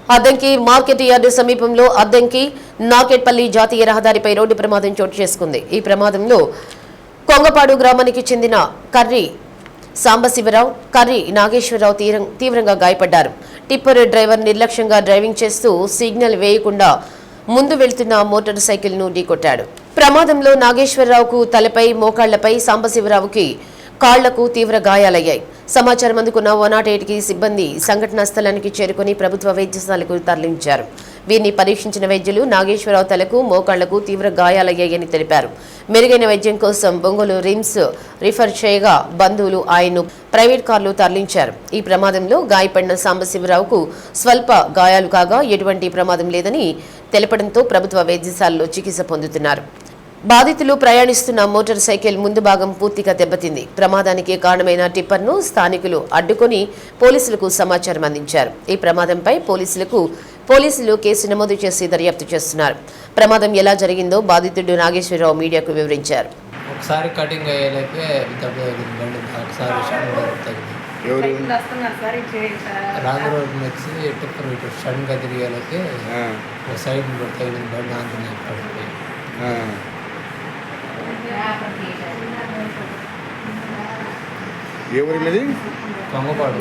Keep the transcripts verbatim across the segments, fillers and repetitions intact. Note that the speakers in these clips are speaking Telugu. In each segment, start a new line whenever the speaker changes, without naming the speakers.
అద్దంకి మార్కెట్ యార్డు సమీపంలో అద్దంకి నాకెట్పల్లి జాతీయ రహదారిపై రోడ్డు ప్రమాదం చోటు చేసుకుంది. ఈ ప్రమాదంలో కొంగపాడు గ్రామానికి చెందిన కర్రి సాంబశివరావు, కర్రి నాగేశ్వరరావు తీవ్రంగా గాయపడ్డారు. టిప్పర్ డ్రైవర్ నిర్లక్ష్యంగా డ్రైవింగ్ చేస్తూ సిగ్నల్ వేయకుండా ముందు వెళ్తున్న మోటార్ సైకిల్ ను ఢీకొట్టాడు. ప్రమాదంలో నాగేశ్వరరావుకు తలపై, మోకాళ్లపై, సాంబశివరావుకి కాళ్లకు తీవ్ర గాయాలయ్యాయి. సమాచారం అందుకున్న వన్ నాట్ ఎయిట్ కి సిబ్బంది సంఘటనా స్థలానికి చేరుకుని ప్రభుత్వ వైద్యశాలకు తరలించారు. వీరిని పరీక్షించిన వైద్యులు నాగేశ్వరరావు తలకు, మోకాళ్లకు తీవ్ర గాయాలయ్యాయని తెలిపారు. మెరుగైన వైద్యం కోసం బొంగోలు రిమ్స్ రిఫర్ చేయగా బంధువులు ఆయన్ను ప్రైవేట్ కార్లు తరలించారు. ఈ ప్రమాదంలో గాయపడిన సాంబశివరావుకు స్వల్ప గాయాలు కాగా ఎటువంటి ప్రమాదం లేదని తెలపడంతో ప్రభుత్వ వైద్యశాలలో చికిత్స పొందుతున్నారు. బాధితులు ప్రయాణిస్తున్న మోటార్ సైకిల్ ముందు భాగం పూర్తిగా దెబ్బతింది. ప్రమాదానికి కారణమైన టిప్పర్ను స్థానికులు అడ్డుకొని పోలీసులకు సమాచారం అందించారు. ఈ ప్రమాదంపై పోలీసులకు పోలీసులు కేసు నమోదు చేసి దర్యాప్తు చేస్తున్నారు. ప్రమాదం ఎలా జరిగిందో బాధితుడు నాగేశ్వరరావు మీడియాకు వివరించారు.
ఒకసారి కటింగ్ అయ్యేలాకే దెబ్బ తగిలింది. ఒకసారి రాంగ్ రోడ్ వచ్చి టిప్పర్ ఇటు సడన్గా తిరిగేలాకే ఒక సైడ్ తగిలింది. బండి ఆంజనేయ పడిపోయి
ఏ ఊరి మీది?
కొంగపాడు.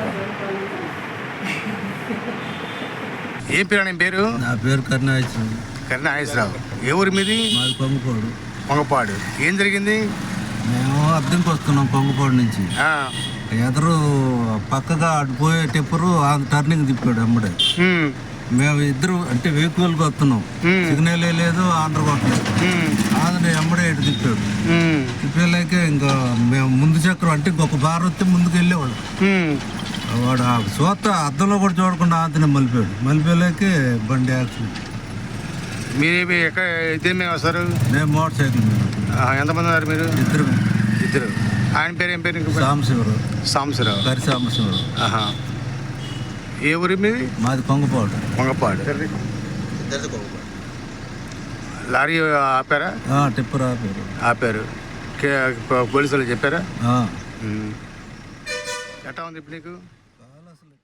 ఏం పేరు అని పేరు?
నా పేరు కరుణాశ్వరరావు.
కరుణాశ్వరరావు. ఏ ఊరి మీది?
మాది కొంగపాడు.
కొంగపాడు. ఏం జరిగింది?
మేము అద్దెకి వస్తున్నాం కొంగపాడు నుంచి. ఎదురు పక్కగా అటుపోయే టిప్పరు టర్నింగ్ తిప్పాడు అమ్మడే. మేము ఇద్దరు అంటే వెహికల్కి వస్తున్నాం, సిగ్నల్ లేదు, ఆంధ్ర కొట్టలేదు. ఆంధ్ర ఎమ్మడే ఇటు తిప్పాడు. తిప్పేలాక ఇంకా మేము ముందు చక్రం అంటే ఇంకొక బార్ వస్తే ముందుకు వెళ్ళేవాడు. వాడు చూస్తా అద్దంలో కూడా చూడకుండా ఆంతనే మలిపాడు. మలిపేలాకే బండి యాక్సిడెంట్.
మీరు ఎక్కడ ఇద్దరు మేము వస్తారు?
మేము మోటార్ సైకిల్ మీద.
ఎంతమంది ఉన్నారు మీరు?
ఇద్దరు.
ఇద్దరు. ఆయన పేరు ఏం పేరు?
సాంబశివరావు.
సాంబశివరావు.
కరి సాంబశివరావు.
ఆహా. ఏ ఊరి మీది?
మాది కొంగపాడు.
కొంగపాడు. లారీ ఆపారా?
టిప్పర్ ఆపారు.
ఆపారు. పోలీసు వాళ్ళు చెప్పారా? ఎట్లా ఉంది ఇప్పుడు నీకు?